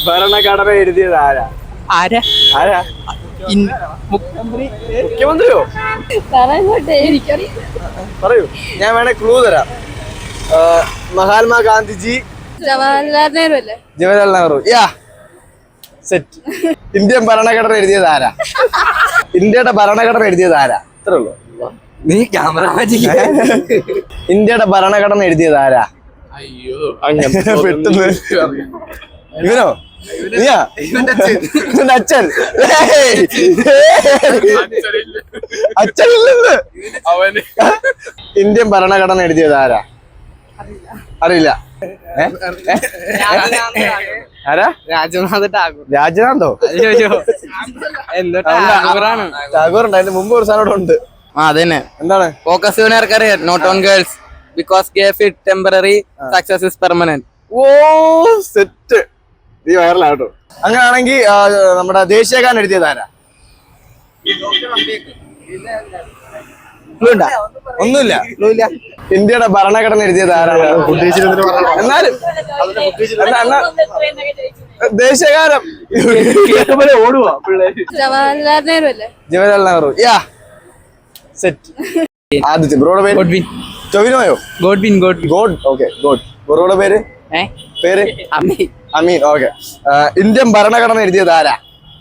ഭരണഘടന എഴുതിയത് ആരാ? ആരാ? മുഖ്യമന്ത്രിയോ? പറയൂ, ഞാൻ വേണേ ക്ലൂ തരാം. മഹാത്മാ ഗാന്ധിജി, ജവഹർലാൽ നെഹ്റു. സെറ്റ്. ഇന്ത്യൻ ഭരണഘടന എഴുതിയത് ആരാ? ഇന്ത്യയുടെ ഭരണഘടന എഴുതിയത് ആരാ? ഇത്രേ ഉള്ളൂ. നീ ക്യാമറ ഇന്ത്യയുടെ ഭരണഘടന എഴുതിയത് ആരാ? അയ്യോ, പെട്ടെന്ന് ഇവനോ? നീയാ? ഇവന്റെ അച്ഛൻ? അച്ഛനില്ലെന്ന്. ഇന്ത്യൻ ഭരണഘടന എഴുതിയത് ആരാ? അറിയില്ല. ആരാ? രാജനാഥ് ടാഗോർ. രാജനാഥോ? ടാഗോർ ഉണ്ട്. അതിന്റെ മുമ്പ് ഒരു സാധനം ഉണ്ട്. അതന്നെ. എന്താണ്? Focus your career not on girls because GF it temporary success is permanent. Oh set. നീ വൈറലാട്ടോ. അങ്ങനെയാണെങ്കിൽ നമ്മുടെ ദേശീയഗാനം എഴുതിയത് ആരാ? ഒന്നുമില്ല. ഇന്ത്യയുടെ ഭരണഘടന എഴുതിയത് ആരാണ്? എന്നാലും ദേശീയഗാനം ഓടുവാ പിള്ളേര്. ജവഹർലാൽ നെഹ്റു. സെറ്റ്. ആദ്യത്തെ ബ്രോയുടെ പേര് ടൊവിനോയോ? ഗോഡ്. Okay, God. ബ്രോയുടെ പേര്? അമീൻ. ഓക്കെ. ഇന്ത്യൻ ഭരണഘടന എഴുതിയത് ആരാ?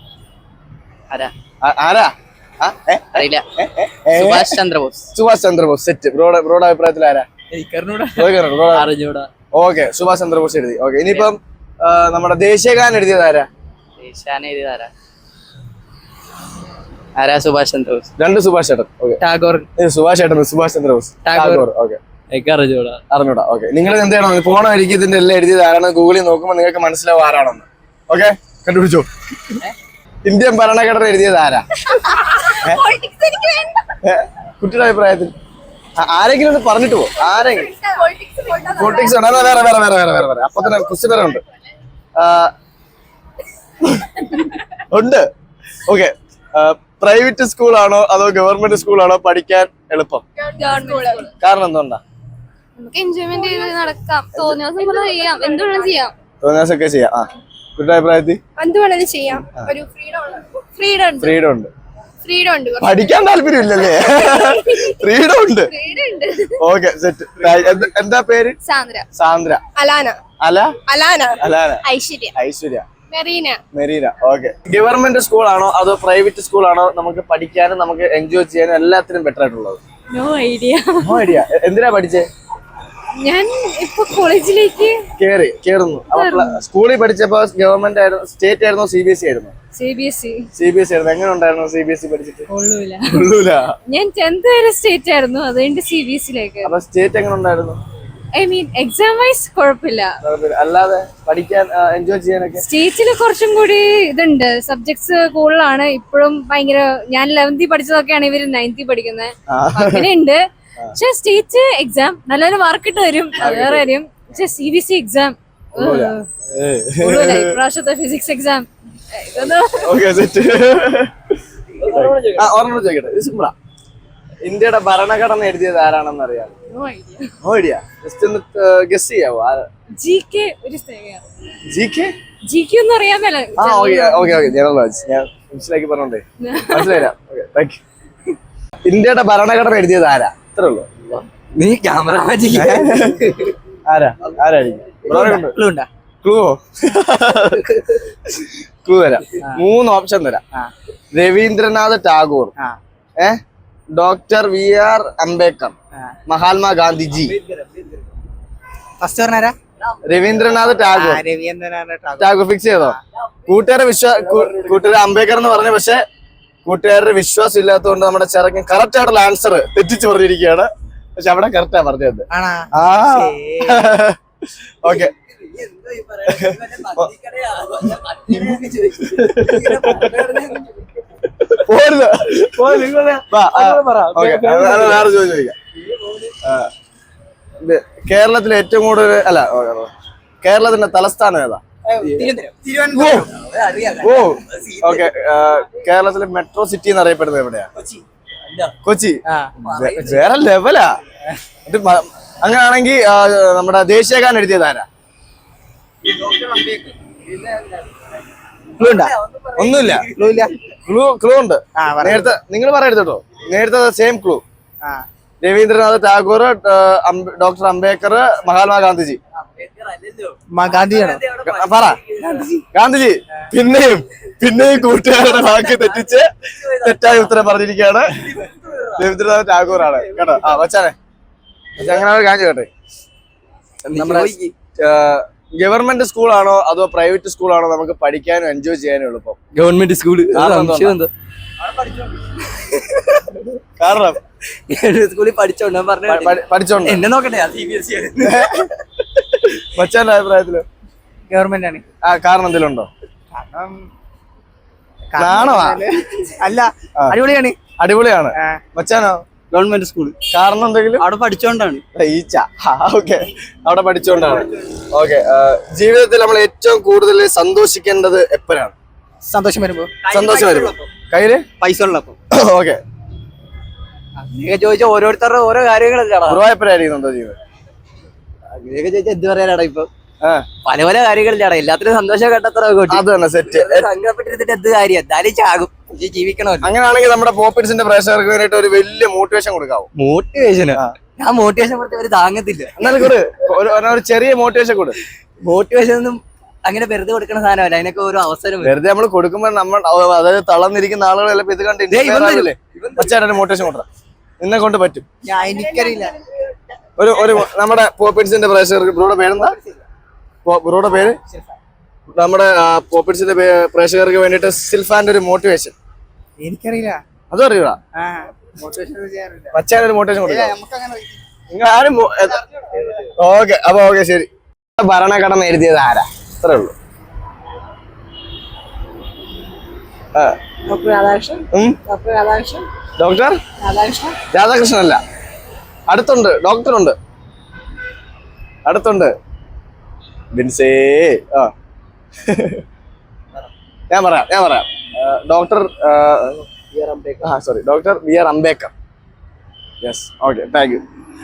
സുഭാഷ് ചന്ദ്രബോസ്. സെറ്റ്. ബ്രോയുടെ അഭിപ്രായത്തിൽ ആരാ? ഓക്കെ, സുഭാഷ് ചന്ദ്രബോസ് എഴുതി. ഓക്കെ, ഇനിയിപ്പം നമ്മുടെ ദേശീയഗാനം എഴുതിയത് ആരാ? സുഭാഷ് ചന്ദ്രബോസ്. രണ്ട് സുഭാഷ് ചേട്ടൻ. ടാഗോർ. സുഭാഷ് ചന്ദ്രബോസ്. ടാഗോർ. ഓക്കെ, അറിഞ്ഞൂടാ. ഓക്കെ, നിങ്ങൾ എന്ത് ചെയ്യണം? പോണ വഴിക്ക് ഇതിന്റെ എല്ലാം എഴുതിയത് ആരാണ് ഗൂഗിളിൽ നോക്കുമ്പോൾ നിങ്ങൾക്ക് മനസ്സിലാവും ആരാണെന്ന്. ഓക്കെ, കണ്ടുപിടിച്ചോ. ഇന്ത്യൻ ഭരണഘടന എഴുതിയത് ആരാ? കുട്ടിയുടെ അഭിപ്രായത്തിൽ ആരെങ്കിലും ഒന്ന് പറഞ്ഞിട്ട് പോ. ആരെങ്കിലും പൊളിറ്റിക്സ് ആണ്? വേറെ അപ്പൊ തന്നെ ക്വസ്റ്റ്യൻ വരെ ഉണ്ട്. ഓക്കെ, പ്രൈവറ്റ് സ്കൂളാണോ അതോ ഗവൺമെന്റ് സ്കൂളാണോ പഠിക്കാൻ എളുപ്പം? കാരണം എന്തുകൊണ്ടാ? നമുക്ക് എൻജോയ്മെന്റ് ചെയ്ത് നടക്കാം, തോന്നിയ എന്തുവേണം ചെയ്യാം. തോന്നിയാസൊക്കെ ചെയ്യാം. കുട്ടിയുടെ അഭിപ്രായത്തിൽ എന്തുവേണേലും ചെയ്യാം. ഒരു ഫ്രീഡം ഉണ്ട്. പഠിക്കാൻ താല്പര്യമില്ലല്ലേ? ഫ്രീഡം ഉണ്ട്. Okay, set. എന്താ പേര്? Sandra. Alana. Aishwarya. Merina. Okay, government സ്കൂളാണോ അതോ പ്രൈവറ്റ് സ്കൂളാണോ നമുക്ക് പഠിക്കാനും നമുക്ക് എൻജോയ് ചെയ്യാനും എല്ലാത്തിനും ബെറ്റർ ആയിട്ടുള്ളത്? No idea. എന്തിനാ പഠിച്ചേ? ഞാൻ ഇപ്പൊ കോളേജിലേക്ക് കേറുന്നു. സ്കൂളിൽ പഠിച്ചപ്പോ ഗവൺമെന്റ് ആയിരുന്നു, സ്റ്റേറ്റ് ആയിരുന്നോ CBSE ആയിരുന്നു? CBSE ആയിരുന്നു. എങ്ങനെ ഉണ്ടായിരുന്നു CBSE പഠിച്ചിട്ട്? കൊള്ളൂല. ഞാൻ 10th വരെ സ്റ്റേറ്റ് ആയിരുന്നു, അതുകൊണ്ട് CBSE-ലേക്ക്. അപ്പൊ സ്റ്റേറ്റ് എങ്ങനെ ഉണ്ടായിരുന്നു? എക്സാം വൈസ് കുഴപ്പമില്ല. അല്ലാതെ പഠിക്കാൻ എൻജോയ് ചെയ്യാനൊക്കെ സ്റ്റേറ്റില് കുറച്ചും കൂടി ഇതുണ്ട്, സബ്ജക്ട്സ് കൂടുതലാണ്. ഇപ്പോഴും ഭയങ്കര, ഞാൻ 11th പഠിച്ചതൊക്കെയാണ് ഇവര് 9th പഠിക്കുന്നത്. അങ്ങനെയുണ്ട്. പക്ഷെ സ്റ്റേറ്റ് എക്സാം നല്ലൊരു മാർക്കിട്ട് വരും, വേറെ കാര്യം. പക്ഷെ CBSE എക്സാം ഇപ്രാവശ്യത്തെ ഫിസിക്സ് എക്സാം ഇന്ത്യയുടെ ഭരണഘടന എഴുതിയത് ആരാണെന്ന് അറിയാം? No idea. ജസ്റ്റ് ഒന്ന് ഗസ് ചെയ്യാവോ? GK ഒന്നും അറിയാൻ മേല. ജനറൽ നോളജ് ഞാൻ മനസ്സിലാക്കി പറഞ്ഞോണ്ടേ മനസ്സിലായില്ല. ഇന്ത്യയുടെ ഭരണഘടന എഴുതിയത് ആരാ? ഇത്രേ ഉള്ളൂ. നീ ക്യാമറ ആരായിരിക്കും? ക്ലൂ തരാം. 3 ഓപ്ഷൻ തരാം. Rabindranath Tagore, doctor VR Ambedkar, Mahatma Gandhiji. Rabindranath Tagore fix ചെയ്തോ? കൂട്ടുകാരെ അംബേദ്കർ എന്ന് പറഞ്ഞു, പക്ഷെ കൂട്ടുകാരുടെ വിശ്വാസം ഇല്ലാത്തതുകൊണ്ട് നമ്മുടെ ചെറുക്കൻ കറക്റ്റ് ആയിട്ടുള്ള ആൻസർ തെറ്റിച്ച് പറഞ്ഞിരിക്കുകയാണ്. പക്ഷെ അവിടെ കറക്റ്റാ പറഞ്ഞത്. ഓക്കെ, കേരളത്തിലെ ഏറ്റവും കൂടുതൽ കേരളത്തിന്റെ തലസ്ഥാനം ഏതാ? ഓക്കെ, കേരളത്തിലെ മെട്രോ സിറ്റി എന്നറിയപ്പെടുന്നത് എവിടെയാ? കൊച്ചി. വേറെ ലെവലാ. അങ്ങനെയാണെങ്കിൽ നമ്മുടെ ദേശീയഗാനം എഴുതിയത് ആരാ? ഒന്നുമില്ല. ക്ലൂ ഉണ്ട്. നേരത്തെ നിങ്ങൾ പറയരുത് കേട്ടോ. നേരത്തെ same clue. Rabindranath Tagore, doctor Ambedkar, Mahatma Gandhiji. പറ. ഗാന്ധിജി. പിന്നെയും കൂട്ടുകാരുടെ വാക്ക് തെറ്റിച്ച് തെറ്റായ ഉത്തരം പറഞ്ഞിരിക്കുകയാണ്. രവീന്ദ്രനാഥ് ടാഗോർ ആണ് കേട്ടോ. വച്ചാനെ അങ്ങനെ കാണിച്ചു കേട്ടെ. നമ്മുടെ ഗവൺമെന്റ് സ്കൂളാണോ അതോ പ്രൈവറ്റ് സ്കൂളാണോ നമുക്ക് പഠിക്കാനും എൻജോയ് ചെയ്യാനും എളുപ്പം? Government school. കാരണം സ്കൂളിൽ പഠിച്ചോണ്ട് പഠിച്ചോണ്ട് എന്നെ നോക്കട്ടെ. മച്ചാന്റെ അഭിപ്രായത്തില് ഗവൺമെന്റ് ആണ്. കാരണം എന്തെങ്കിലുണ്ടോ? നാണമാ? അല്ല, അടിപൊളിയാണ്. മച്ചാനോ? Government school. കാരണം എന്തെങ്കിലും? അവിടെ പഠിച്ചോണ്ടാണ്. ഈച്ച. ഓക്കെ, അവിടെ പഠിച്ചോണ്ടാണ്. ഓക്കെ, ജീവിതത്തിൽ നമ്മൾ ഏറ്റവും കൂടുതൽ സന്തോഷിക്കേണ്ടത് എപ്പോഴാണ്? സന്തോഷം വരുമ്പോ. കയ്യില് പൈസ ഉള്ളപ്പോ. ഓക്കെ, അങ്ങനെയൊക്കെ ചോദിച്ചാൽ ഓരോരുത്തരുടെ ഓരോ കാര്യങ്ങളല്ലേ. എപ്പോഴായിരിക്കുന്നുണ്ടോ ജീവിതം? അങ്ങനെയൊക്കെ ചോദിച്ചാൽ എന്ത് പറയാനാടാ? ഇപ്പൊ പല പല കാര്യങ്ങളിലാടാ. എല്ലാത്തിനും സന്തോഷം കണ്ടെത്ര. അത് തന്നെ സെറ്റ്. സങ്കടപ്പെട്ടിരുന്നിട്ട് എന്ത് കാര്യം? എന്തായാലും ചാകും, ജീവിക്കണമല്ലോ. അങ്ങനെയാണെങ്കിൽ നമ്മുടെ പോപ്പിറ്റ്സിന്റെ പ്രേക്ഷകർക്ക് വേണ്ടിയിട്ട് ഒരു വലിയ മോട്ടിവേഷൻ കൊടുക്കാവോ? മോട്ടിവേഷന് ഞാൻ മോട്ടിവേഷൻ കൊടുത്ത ഒരു താങ്ങത്തില്ല. എന്നാലും ഒരു ചെറിയ മോട്ടിവേഷൻ കൊടു. മോട്ടിവേഷൻ ഒന്നും അങ്ങനെ വെറുതെ കൊടുക്കണ സാധനമല്ല. അതിനൊക്കെ ഒരു അവസരം വെറുതെ നമ്മൾ കൊടുക്കുമ്പോൾ നമ്മൾ അതായത് തളർന്നിരിക്കുന്ന ആളുകൾ ചിലപ്പോൾ ഇത് കണ്ട് മച്ചാരുടെ മോട്ടിവേഷൻ കൊടുക്കാം. നിന്നെ കൊണ്ട് പറ്റും. എനിക്കറിയില്ല. ഒരു നമ്മുടെ പോപ്പിറ്റ്സിന്റെ പ്രേക്ഷകർക്ക് ബ്രോയുടെ പേരെന്താ? ബ്രോയുടെ പേര്? നമ്മുടെ പോപ്പിറ്റ്സിന്റെ പ്രേക്ഷകർക്ക് വേണ്ടിയിട്ട് സിൽഫാന്റെ ഒരു മോട്ടിവേഷൻ. എനിക്കറിയില്ല. അതും അറിയൂടാ? മച്ചാനൊരു മോട്ടിവേഷൻ കൊടുക്കാം. നിങ്ങൾ ആരും ഓക്കെ. അപ്പൊ ഓക്കെ, ശരി. ഭരണഘടന എഴുതിയത് ആരാ? അത്രേ ഉള്ളൂ. ഡോക്ടർ രാധാകൃഷ്ണൻ അല്ല. അടുത്തുണ്ട്, ഡോക്ടറുണ്ട് അടുത്തുണ്ട്. ബിൻസേ. ഞാൻ പറയാം. Doctor doctor B R Ambedkar. Yes, okay, thank you.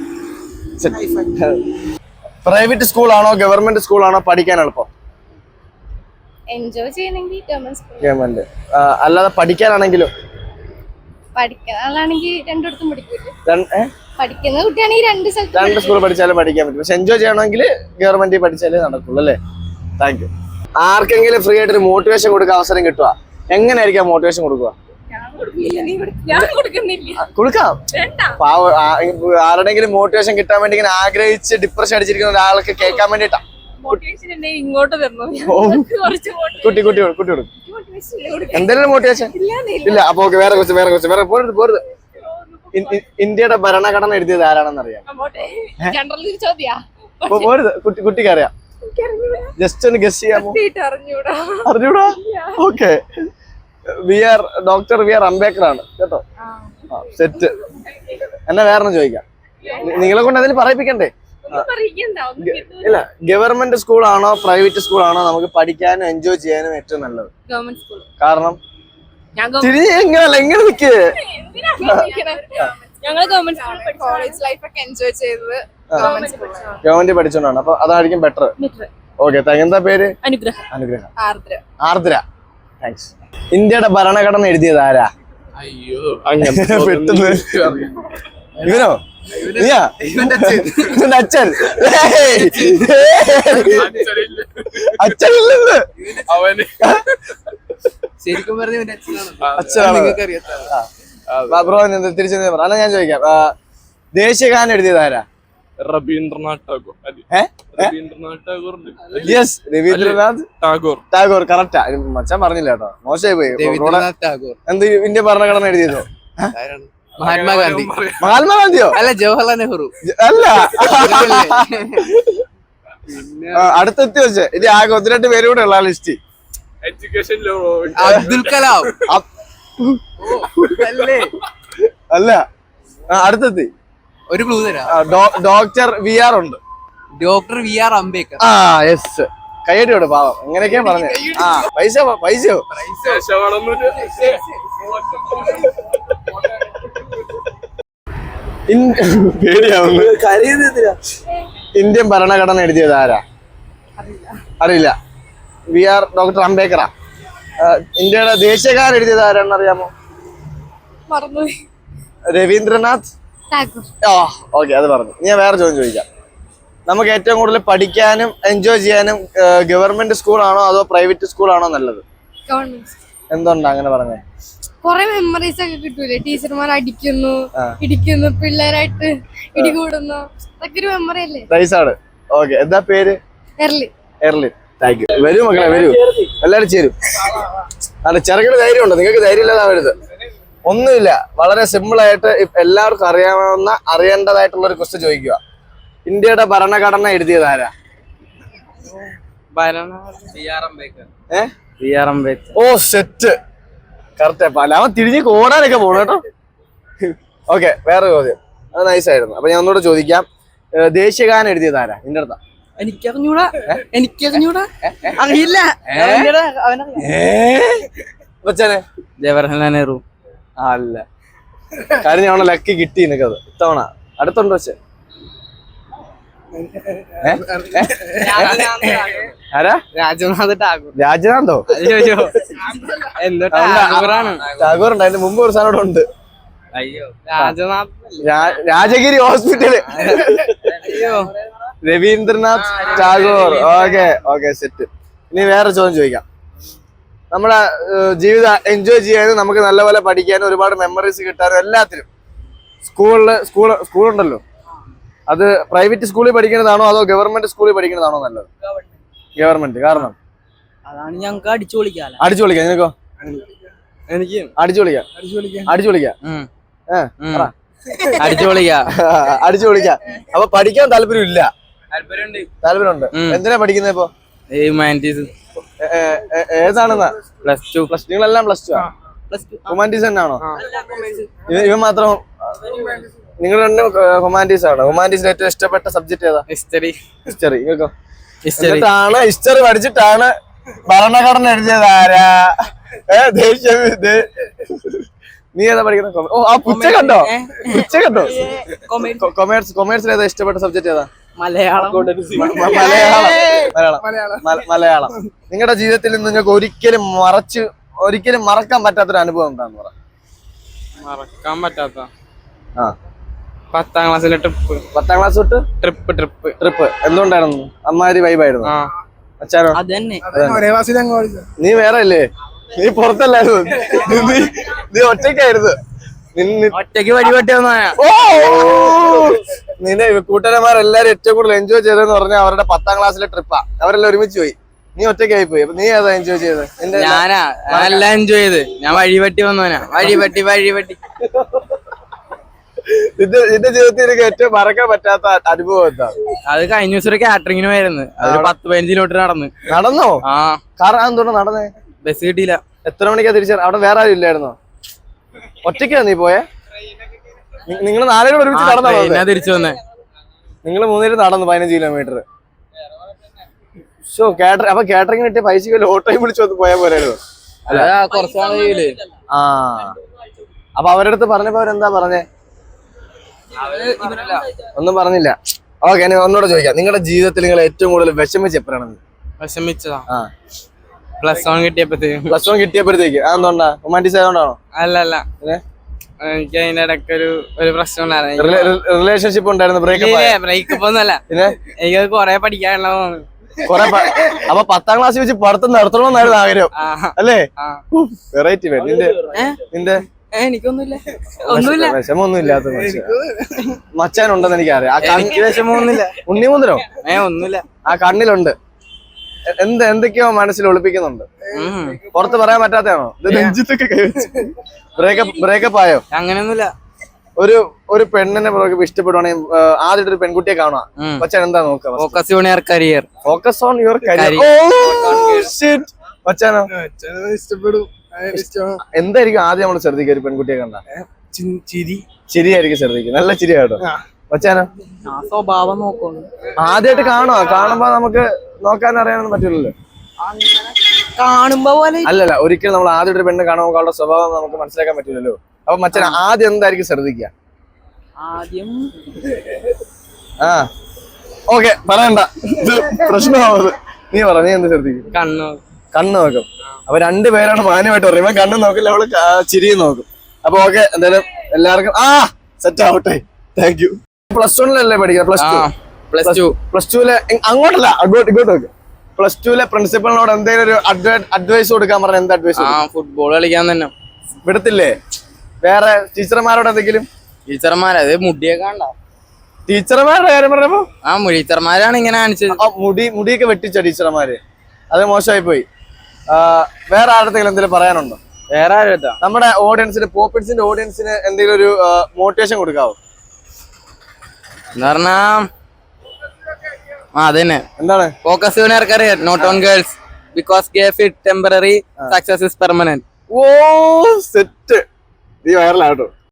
Private സ്കൂളാണോ ഗവൺമെന്റ് സ്കൂളാണോ പഠിക്കാൻ എളുപ്പം? എൻജോയ് ചെയ്യണമെങ്കിൽ ഗവൺമെന്റ്. അല്ലാതെ പഠിക്കാനാണെങ്കിലും? പഠിക്കാനാണെങ്കിൽ രണ്ടിടത്തും പഠിക്കൂലേ. പഠിക്കുന്ന കുട്ടിയാണെങ്കിൽ രണ്ട് സ്കൂൾ പഠിച്ചാലും പഠിക്കാൻ പറ്റും. പക്ഷെ എൻജോയ് ചെയ്യണമെങ്കിൽ ഗവൺമെന്റ് പഠിച്ചാലേ നടക്കുള്ളൂ അല്ലേ? Thank you. ആർക്കെങ്കിലും ഫ്രീ ആയിട്ട് ഒരു മോട്ടിവേഷൻ കൊടുക്കാൻ അവസരം കിട്ടുക, എങ്ങനെയായിരിക്കും മോട്ടിവേഷൻ കൊടുക്കുക? കൊടുക്കാം. ആരുടെങ്കിലും മോട്ടിവേഷൻ കിട്ടാൻ വേണ്ടി ഇങ്ങനെ ആഗ്രഹിച്ച് ഡിപ്രഷൻ അടിച്ചിരിക്കുന്ന ഒരാൾക്ക് കേൾക്കാൻ വേണ്ടിട്ടാ. കുട്ടി കൊടുക്കും. എന്തെങ്കിലും മോട്ടിവേഷൻ ഇല്ല. അപ്പൊ ഓക്കെ, വേറെ പോരുത്. ഇന്ത്യയുടെ ഭരണഘടന എഴുതിയത് ആരാണെന്ന് അറിയാം? പോരുത്. കുട്ടിക്ക് അറിയാം. ജസ്റ്റ് ഒന്ന് ഗസ് ചെയ്യാമോ? അറിഞ്ഞൂടാ? Okay, doctor B R Ambedkar ആണ് കേട്ടോ. സെറ്റ്. എന്നെ വേറെ ചോദിക്കാം. നിങ്ങളെ കൊണ്ട് അതിൽ പറയിപ്പിക്കണ്ടേ? ഇല്ല, ഗവൺമെന്റ് സ്കൂളാണോ പ്രൈവറ്റ് സ്കൂളാണോ നമുക്ക് പഠിക്കാനും എൻജോയ് ചെയ്യാനും ഏറ്റവും നല്ലത്? കാരണം എങ്ങനെ നിക്ക് ഗവൺമെന്റ് പഠിച്ചോണ്ടാണ്. അപ്പൊ അതായിരിക്കും ബെറ്റർ. Okay, thank U. എന്താ പേര്? അനുഗ്രഹം. ആർദ്ര. താങ്ക്സ്. ഇന്ത്യയുടെ ഭരണഘടന എഴുതിയത് ആരാ? പെട്ടെന്ന് ഇവനോ? നീയാ? അച്ഛൻ? അച്ഛനില്ലെന്ന്. അച്ഛനാണ്. ബ്രോ തിരിച്ചു അല്ല, ഞാൻ ചോദിക്കാം. ദേശീയഗാനം എഴുതിയത് ആരാ? രവീന്ദ്രനാഥ് ടാഗോർ. കറക്റ്റാ. മച്ചാൻ പറഞ്ഞില്ല കേട്ടോ, മോശമായി പോയി. എന്ത് ഇന്ത്യ ഭരണഘടന എഴുതിയതോ? മഹാത്മാഗാന്ധിയോ? അല്ല, ജവഹർലാൽ നെഹ്റു. അല്ല, അടുത്തെത്തി വെച്ച്. ഇനി ആകെ 1-2 പേര് കൂടെ ഉള്ള ലിസ്റ്റ്. എഡ്യൂക്കേഷൻ അബ്ദുൽ കലാം. അല്ല, അടുത്തെത്തി. ഒരു ക്ലൂ തരാം. ഡോക്ടർ വി ആർ ഉണ്ട്. Doctor B R Ambedkar. Yes. കയ്യടിയോട് പാവം. എങ്ങനെയൊക്കെയാ പറഞ്ഞത്? പൈസയോ? പേടിയാവുന്നു. ഇന്ത്യൻ ഭരണഘടന എഴുതിയത് ആരാ? അറിയില്ല. വി ആർ ഡോക്ടർ അംബേദ്കറാ. ഇന്ത്യയുടെ ദേശീയഗാനം എഴുതിയത് ആരാണെന്ന് അറിയാമോ? മറന്നുപോയി. രവീന്ദ്രനാഥ് ടാഗോർ. ഓക്കെ, അത് പറഞ്ഞു. ഞാൻ വേറെ ചോദ്യം ചോദിക്കാം. നമുക്ക് ഏറ്റവും കൂടുതൽ പഠിക്കാനും എൻജോയ് ചെയ്യാനും ഗവൺമെന്റ് സ്കൂളാണോ അതോ പ്രൈവറ്റ് സ്കൂളാണോ നല്ലത്? ഗവൺമെന്റ്. എന്തുകൊണ്ടാ അങ്ങനെ പറഞ്ഞേ? കൊറേ മെമ്മറീസ് ഒക്കെ കിട്ടൂലേ, ടീച്ചർമാർ ഇടിക്കുന്നു പിള്ളേരായിട്ട് ഇടികൂടുന്നു, അതൊക്കെ ഒരു മെമ്മറി അല്ലേ. റൈസാണ്. ഓക്കെ, എന്താ പേര്? എർലിൻ. Thank you. വരൂ മക്കളെ, വരൂ, എല്ലാരും ചേരും. അല്ല, ചെറുകിട ധൈര്യം ഉണ്ടോ? നിങ്ങൾക്ക് ധൈര്യം ഇല്ലാതാവരുത്. ഒന്നുമില്ല, വളരെ സിമ്പിൾ ആയിട്ട് എല്ലാവർക്കും അറിയേണ്ടതായിട്ടുള്ള ഒരു ക്വസ്റ്റ്യൻ ചോദിക്കുക. ഇന്ത്യയുടെ ഭരണഘടന എഴുതിയത് ആരാ? Oh set, correct. പല അവൻ തിരിഞ്ഞ് കോടാനൊക്കെ പോണു കേട്ടോ. ഓക്കെ, വേറെ ചോദ്യം. അത് നൈസായിരുന്നു. അപ്പൊ ഞാൻ ഒന്നുകൂടെ ചോദിക്കാം. ദേശീയഗാനം എഴുതിയത് ആരാ? നിന്റെ അടുത്താ? എനിക്കറിഞ്ഞൂടാ, അറിയില്ല. കൊച്ചനെ? ജവഹർലാൽ നെഹ്റു. അല്ല, കാര്യം ഞാൻ ലക്കി കിട്ടി നിനക്കത് ഇത്തവണ. അടുത്തുണ്ടോ വെച്ചേ? ആരാ? രാജനാഥ് ടാഗോർ. രാജനാഥോ? ടാഗോർ ഉണ്ട്. അതിന്റെ മുമ്പ് ഒരു സാധനം ഇവിടെ ഉണ്ട്. Rajagiri hospital. Rabindranath Tagore. Okay set. ഇനി വേറെ ചോദ്യം ചോദിക്കാം. നമ്മുടെ ജീവിതം എൻജോയ് ചെയ്യാനും നമുക്ക് നല്ലപോലെ പഠിക്കാനും ഒരുപാട് മെമ്മറീസ് കിട്ടാനും എല്ലാത്തിനും സ്കൂളുണ്ടല്ലോ, അത് പ്രൈവറ്റ് സ്കൂളിൽ പഠിക്കുന്നതാണോ അതോ ഗവൺമെന്റ് സ്കൂളിൽ പഠിക്കുന്നതാണോ നല്ലത്? ഗവൺമെന്റ്. കാരണം അതാണ് ഞങ്ങൾക്ക് അടിച്ചു പൊളിക്കാം. നിനക്കോ? എനിക്ക് അടിച്ചു പൊളിക്കാം. അപ്പൊ പഠിക്കാൻ താല്പര്യമില്ല? താല്പര്യമുണ്ട്. എന്തിനാ പഠിക്കുന്നത് ഇപ്പൊ? ഏതാണെന്നാ? +2. നിങ്ങളെല്ലാം +2 ഹ്യൂമാനിറ്റീസ് തന്നെയാണോ? ഇവൻ മാത്രം? നിങ്ങൾ രണ്ടും ഹ്യൂമാനിറ്റീസ് ആണ്. ഹ്യൂമാനിറ്റീസിൽ ഏറ്റവും ഇഷ്ടപ്പെട്ട സബ്ജക്ട് ഏതാ? ഹിസ്റ്ററി. നിങ്ങൾക്കോ? ഹിസ്റ്ററി പഠിച്ചിട്ടാണ് ഭരണഘടന എഴുതിയത് ആരാ? നീ ഏതാ പഠിക്കുന്നത്? ഓ, ആ പുച്ച കണ്ടോ? കൊമേഴ്സിൽ ഏതാ ഇഷ്ടപ്പെട്ട സബ്ജക്ട് ഏതാ? മലയാളം. നിങ്ങളുടെ ജീവിതത്തിൽ നിങ്ങൾക്ക് ഒരിക്കലും മറക്കാൻ പറ്റാത്തൊരു അനുഭവം എന്താന്ന് പറ. മറക്കാൻ പറ്റാത്ത 10ാം ക്ലാസ്സിലെ ട്രിപ്പ്. 10ാം ക്ലാസ് തൊട്ട് ട്രിപ്പ് എന്തുകൊണ്ടായിരുന്നു? അമ്മാതിരി വൈബായിരുന്നു. അച്ഛനോ? നീ വേറെ അല്ലേ? നീ പുറത്തല്ലായിരുന്നു, നീ ഒറ്റയ്ക്കായിരുന്നു. ഒറ്റയ്ക്ക് വഴിപെട്ടി നിന്നെ കൂട്ടുകാരന്മാരെല്ലാരും ഏറ്റവും കൂടുതൽ എൻജോയ് ചെയ്തതെന്ന് പറഞ്ഞാൽ അവരുടെ 10ാം ക്ലാസ്സിലെ ട്രിപ്പാ. അവരെല്ലാം ഒരുമിച്ച് പോയി, നീ ഒറ്റയ്ക്കായി പോയി. അപ്പൊ നീ ഏതാ എൻജോയ് ചെയ്തത്? ഞാനെല്ലാം എൻജോയ് ചെയ്ത്. ഞാൻ വഴിപെട്ടി വന്നവനാ. വഴിപെട്ടി നിന്റെ ജീവിതത്തിൽ എനിക്ക് ഏറ്റവും മറക്കാൻ പറ്റാത്ത അനുഭവം എന്താ? അത് കഴിഞ്ഞ ദിവസം ഒരു കാറ്ററിങ്ങിന് പോയിരുന്നു. 10-15 കിലോമീറ്റർ നടന്നോ? കാരണം എന്തുകൊണ്ട് നടന്നേ? ബസ് കിട്ടിയില്ല. എത്ര മണിക്കാ തിരിച്ച? അവിടെ വേറെ ആരും ഇല്ലായിരുന്നോ? ഒറ്റയ്ക്കാ നീ പോയെ? നിങ്ങൾ 4 പേരും ഒരുമിച്ച് നടന്നോ? തിരിച്ചു വന്നേ. നിങ്ങൾ 3 പേരും നടന്നു 15 കിലോമീറ്റർ. അപ്പൊ കാറ്ററിംഗ് കിട്ടിയ പൈസ ഓട്ടോയും വിളിച്ചു വന്ന് പോയാൽ പോരായിരുന്നു? അപ്പൊ അവരുടെ അടുത്ത് പറഞ്ഞപ്പോ അവരെന്താ പറഞ്ഞേ? ഒന്നും പറഞ്ഞില്ല. ഓക്കെ, ഞാൻ ഒന്നുകൂടെ ചോദിക്കാം. നിങ്ങളുടെ ജീവിതത്തിൽ നിങ്ങൾ ഏറ്റവും കൂടുതൽ വിഷമിച്ച് എപ്പോഴാണ്? വിഷമിച്ചതാ +1 കിട്ടിയപ്പോഴത്തേക്ക്. അതെന്തുകൊണ്ടാ? ഹ്യൂമാനിറ്റീസ് ആയതുകൊണ്ടാണോ? അല്ല, എനിക്ക് അതിന്റെ ഇടയ്ക്ക് ഒരു പ്രശ്നം ഉണ്ടായിരുന്നു. റിലേഷൻഷിപ്പ് ഉണ്ടായിരുന്നു? ബ്രേക്കപ്പ് ഒന്നുമല്ല, എനിക്കത് കൊറേ പഠിക്കാനുള്ളതാണ്. അപ്പൊ 10ാം ക്ലാസ് വെച്ച് പഠിത്തം നടത്തണമെന്നായിരുന്നു ആഗ്രഹം അല്ലേ? വെറൈറ്റി. നിന്റെ എനിക്കൊന്നുമില്ല, വിഷമൊന്നും ഇല്ലാത്ത മച്ചാനുണ്ടെന്ന് എനിക്കറിയാം. വിഷമൊന്നുമില്ല. ഉണ്ണിമുന്തനോ? ഒന്നുമില്ല. ആ കണ്ണിലുണ്ട്. എന്തൊക്കെയോ മനസ്സിൽ ഒളിപ്പിക്കുന്നുണ്ട്. പുറത്ത് പറയാൻ പറ്റാത്തതാണോ? ബ്രേക്കപ്പ് ആയോ? അങ്ങനെയൊന്നുമില്ല. ഒരു പെണ്ണിനെ ഇഷ്ടപ്പെടുവാണെങ്കിൽ ആദ്യമായിട്ട് ഒരു പെൺകുട്ടിയെ കാണുക. മച്ചാൻ എന്താ നോക്കുക? Focus on your career. Focus on your career. മച്ചാനോ? ഇഷ്ടപ്പെടും. എന്തായിരിക്കും ആദ്യം നമ്മൾ ശ്രദ്ധിക്കുക ഒരു പെൺകുട്ടിയെ കണ്ട? ചിരിയായിരിക്കും ശ്രദ്ധിക്കുക. നല്ല ചിരി കേട്ടോ. മച്ചാനോ? സ്വഭാവം നോക്കുന്നു. ആദ്യമായിട്ട് കാണുമ്പോ നമുക്ക് നോക്കാൻ അറിയാനൊന്നും പറ്റില്ലല്ലോ. കാണുമ്പോ പോലെ അല്ലല്ല, ഒരിക്കലും നമ്മൾ ആദ്യമായിട്ട് പെണ്ണ് കാണുമ്പോൾ അവളുടെ സ്വഭാവം നമുക്ക് മനസ്സിലാക്കാൻ പറ്റില്ലല്ലോ. അപ്പൊ മച്ചാൻ ആദ്യം എന്തായിരിക്കും ശ്രദ്ധിക്കുക? ഓക്കെ, പറയണ്ട, ഇത് പ്രശ്നമാവത്. നീ പറ, നീ എന്ത് ശ്രദ്ധിക്കും? കണ്ണു കണ്ണ് നോക്കും. അപ്പൊ രണ്ടുപേരാണ് മാന്യമായിട്ട് പറയുമ്പോ കണ്ണ് നോക്കില്ല, അവള് ചിരിയും നോക്കും. അപ്പൊ ഓക്കെ, എന്തായാലും എല്ലാവർക്കും സെറ്റ് ആവട്ടെ. Thank you. +1 പഠിക്കുന്നത്? +2 അങ്ങോട്ടല്ല, ഇങ്ങോട്ട് നോക്ക്. +2 പ്രിൻസിപ്പളിനോട് എന്തെങ്കിലും ഒരു അഡ്വൈസ് കൊടുക്കാൻ പറഞ്ഞ എന്ത് അഡ്വൈസ്? ഫുട്ബോൾ കളിക്കാൻ തന്നെ. വിടത്തില്ലേ? വേറെ ടീച്ചർമാരോട് എന്തെങ്കിലും? ടീച്ചർമാരത് മുടിയൊക്കെ ഉണ്ടോ? ടീച്ചർമാരുടെ കാര്യം പറഞ്ഞപ്പോ ടീച്ചർമാരാണ് ഇങ്ങനെ കാണിച്ചത്. മുടിയൊക്കെ വെട്ടിച്ച ടീച്ചർമാര്, അത് മോശമായി പോയി. വേറെ ആരുടെങ്കിലും എന്തെങ്കിലും പറയാനുണ്ടോ? വേറെ ആരും നമ്മുടെ ഓഡിയൻസിന്, പോപ്പിൻസിന്റെ ഓഡിയൻസിന് എന്തെങ്കിലും ഒരു മോട്ടിവേഷൻ കൊടുക്കാവോ? എന്ന് പറഞ്ഞാ അതന്നെ, എന്താണ്? Focus your career, not on girls, because ഗേ it temporary, success is permanent. Oh set, നീ വൈറലാട്ടോ.